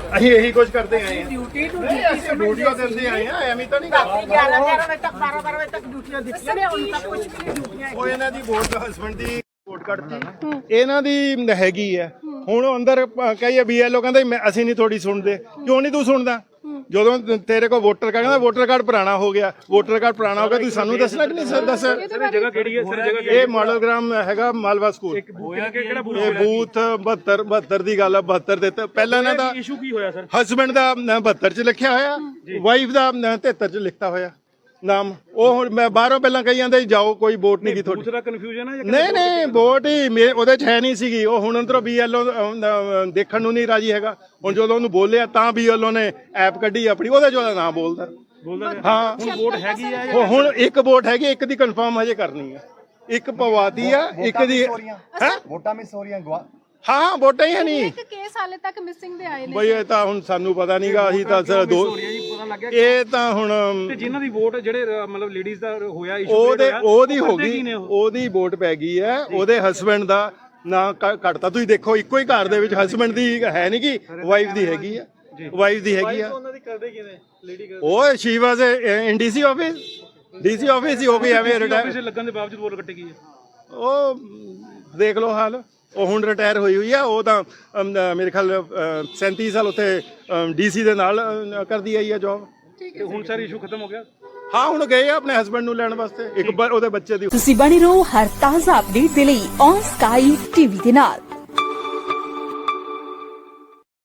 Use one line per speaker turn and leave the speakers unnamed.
ਅਸੀਂ ਇਹੀ ਕੁਝ ਕਰਦੇ ਆਏ ਹਾਂ। ਡਿਊਟੀਆਂ ਦਿੰਦੇ ਆਏ ਆ, ਐਵੇਂ ਤਾਂ ਨਹੀਂ ਕਰਦੇ।
11 ਵਜੇ ਤੱਕ 12 ਵਜੇ ਤੱਕ ਡਿਊਟੀਆਂ ਦਿੱਤੀਆਂ ਨੇ, ਹੁਣ ਤੱਕ ਕੁਝ ਵੀ ਨਹੀਂ ਡਿਊਟੀਆਂ।
ਉਹ ਇਹਨਾਂ ਦੀ ਵੋਟ ਹਸਬੈਂਡ ਦੀ ਵੋਟ ਕੱਢਤੀ, ਇਹਨਾਂ ਦੀ ਹੈਗੀ ਹੈ। ਹੁਣ ਅੰਦਰ ਕਹੀਏ BLO ਕਹਿੰਦੇ ਅਸੀਂ ਨਹੀਂ ਥੋੜੀ ਸੁਣਦੇ। ਕਿਉਂ ਨਹੀਂ ਤੂੰ ਸੁਣਦਾ? ਜਦੋਂ ਤੇਰੇ ਕੋਲ ਵੋਟਰ ਕਾਰਡ ਕਹਿੰਦਾ ਵੋਟਰ ਕਾਰਡ ਪੁਰਾਣਾ ਹੋ ਗਿਆ, ਵੋਟਰ ਕਾਰਡ ਪੁਰਾਣਾ ਹੋ ਗਿਆ, ਤੁਸੀਂ ਸਾਨੂੰ ਦੱਸਣਾ ਕਿ ਨਹੀਂ ਸਰ? ਦੱਸ
ਜਗ੍ਹਾ ਕਿਹੜੀ ਹੈ ਸਰ? ਜਗ੍ਹਾ
ਇਹ ਮਾਡਲ ਗ੍ਰਾਮ ਹੈਗਾ ਮਾਲਵਾ ਸਕੂਲ।
ਕਿਹੜਾ ਬੂਥ?
ਇਹ ਬੂਥ 72 ਦੀ ਗੱਲ ਆ। 72 ਦੇ ਪਹਿਲਾਂ ਇਹਨਾਂ ਦਾ
ਇਸ਼ੂ ਕੀ ਹੋਇਆ ਸਰ?
ਹਸਬੈਂਡ ਦਾ 72 ਚ ਲਿਖਿਆ ਹੋਇਆ, ਵਾਈਫ ਦਾ 73 ਚ ਲਿਖਤਾ ਹੋਇਆ ਨਾਮ। ਉਹ ਹੁਣ ਮੈਂ ਬਾਹਰੋਂ ਪਹਿਲਾਂ ਕਹੀ ਜਾਂਦੇ ਜਾਓ, ਕੋਈ ਵੋਟ ਨਹੀਂ ਕੀ ਤੁਹਾਡੀ।
ਦੂਸਰਾ ਕਨਫਿਊਜ਼ਨ ਹੈ?
ਨਹੀਂ ਵੋਟ ਹੀ ਉਹਦੇ ਚ ਹੈ ਨਹੀਂ ਸੀਗੀ। ਉਹ ਹੁਣ ਅੰਦਰੋਂ BLO ਦੇਖਣ ਨੂੰ ਨਹੀਂ ਰਾਜੀ ਹੈਗਾ। ਹੁਣ ਜਦੋਂ ਉਹਨੂੰ ਬੋਲਿਆ ਤਾਂ BLO ਨੇ ਐਪ ਕੱਢੀ ਆਪਣੀ, ਉਹਦੇ ਚ ਉਹਦਾ ਨਾਮ ਬੋਲਦਾ। ਹਾਂ
ਹੁਣ ਵੋਟ ਹੈਗੀ ਹੈ?
ਹੁਣ ਇੱਕ ਵੋਟ ਹੈਗੀ, ਇੱਕ ਦੀ ਕਨਫਰਮ ਹਜੇ ਕਰਨੀ ਹੈ। ਇੱਕ ਪਵਾਤੀ ਆ, ਇੱਕ ਦੀ ਹੈ
ਵੋਟਾਂ ਮਿਸ ਹੋ ਰਹੀਆਂ ਗਵਾ।
ਹਾਂ ਵੋਟਾਂ ਹੀ ਹੈ ਨਹੀਂ।
ਇੱਕ ਕੇਸ ਹਾਲੇ ਤੱਕ ਮਿਸਿੰਗ ਦੇ ਆਏ ਨੇ
ਬਈ ਇਹ ਤਾਂ ਹੁਣ ਸਾਨੂੰ ਪਤਾ ਨਹੀਂਗਾ। ਅਸੀਂ ਤਾਂ ਦੋ ਇਹ ਤਾਂ ਹੁਣ
ਤੇ ਜਿਨ੍ਹਾਂ ਦੀ ਵੋਟ ਜਿਹੜੇ ਮਤਲਬ ਲੇਡੀਜ਼ ਦਾ ਹੋਇਆ ਇਸ਼ੂ,
ਉਹਦੀ ਹੋ ਗਈ, ਉਹਦੀ ਵੋਟ ਪੈ ਗਈ ਹੈ। ਉਹਦੇ ਹਸਬੈਂਡ ਦਾ ਨਾਂ ਕੱਟਤਾ। ਤੁਸੀਂ ਦੇਖੋ ਇੱਕੋ ਹੀ ਘਰ ਦੇ ਵਿੱਚ ਹਸਬੈਂਡ ਦੀ ਹੈ ਨਹੀਂ ਗੀ, ਵਾਈਫ ਦੀ ਹੈਗੀ ਆ। ਵਾਈਫ ਦੀ ਹੈਗੀ ਆ।
ਉਹਨਾਂ ਦੀ ਕਰਦੇ ਕਿਵੇਂ ਲੇਡੀ?
ਉਹ she was in DC office. DC office ਹੀ ਹੋ ਗਈ ਐਵੇਂ ਰਿਟਾਇਰ
ਲੱਗਣ ਦੇ ਬਾਵਜੂਦ ਵੋਟ ਕੱਟੀ ਗਈ ਹੈ।
ਉਹ ਦੇਖ ਲਓ ਹਾਲ। ਉਹ ਹੁਣ ਰਿਟਾਇਰ ਹੋਈ ਆ। ਉਹ ਤਾਂ ਮੇਰੇ ਖਿਆਲ 37 ਸਾਲ ਉੱਥੇ DC ਦੇ ਨਾਲ ਕਰਦੀ ਆਈ ਆ ਜੌਬ।
ਤੇ ਹੁਣ ਸਾਰਾ ਇਸ਼ੂ ਖਤਮ ਹੋ ਗਿਆ?
ਹਾਂ ਹੁਣ ਗਏ ਆ ਆਪਣੇ ਹਸਬੈਂਡ ਨੂੰ ਲੈਣ ਵਾਸਤੇ, ਇੱਕ ਉਹਦੇ ਬੱਚੇ ਦੀ।
ਤੁਸੀਂ ਬਣੇ ਰਹੋ ਹਰ ਤਾਜ਼ਾ ਅਪਡੇਟ ਦੇ ਲਈ ਔਨ ਸਕਾਈ TV ਦੇ ਨਾਲ।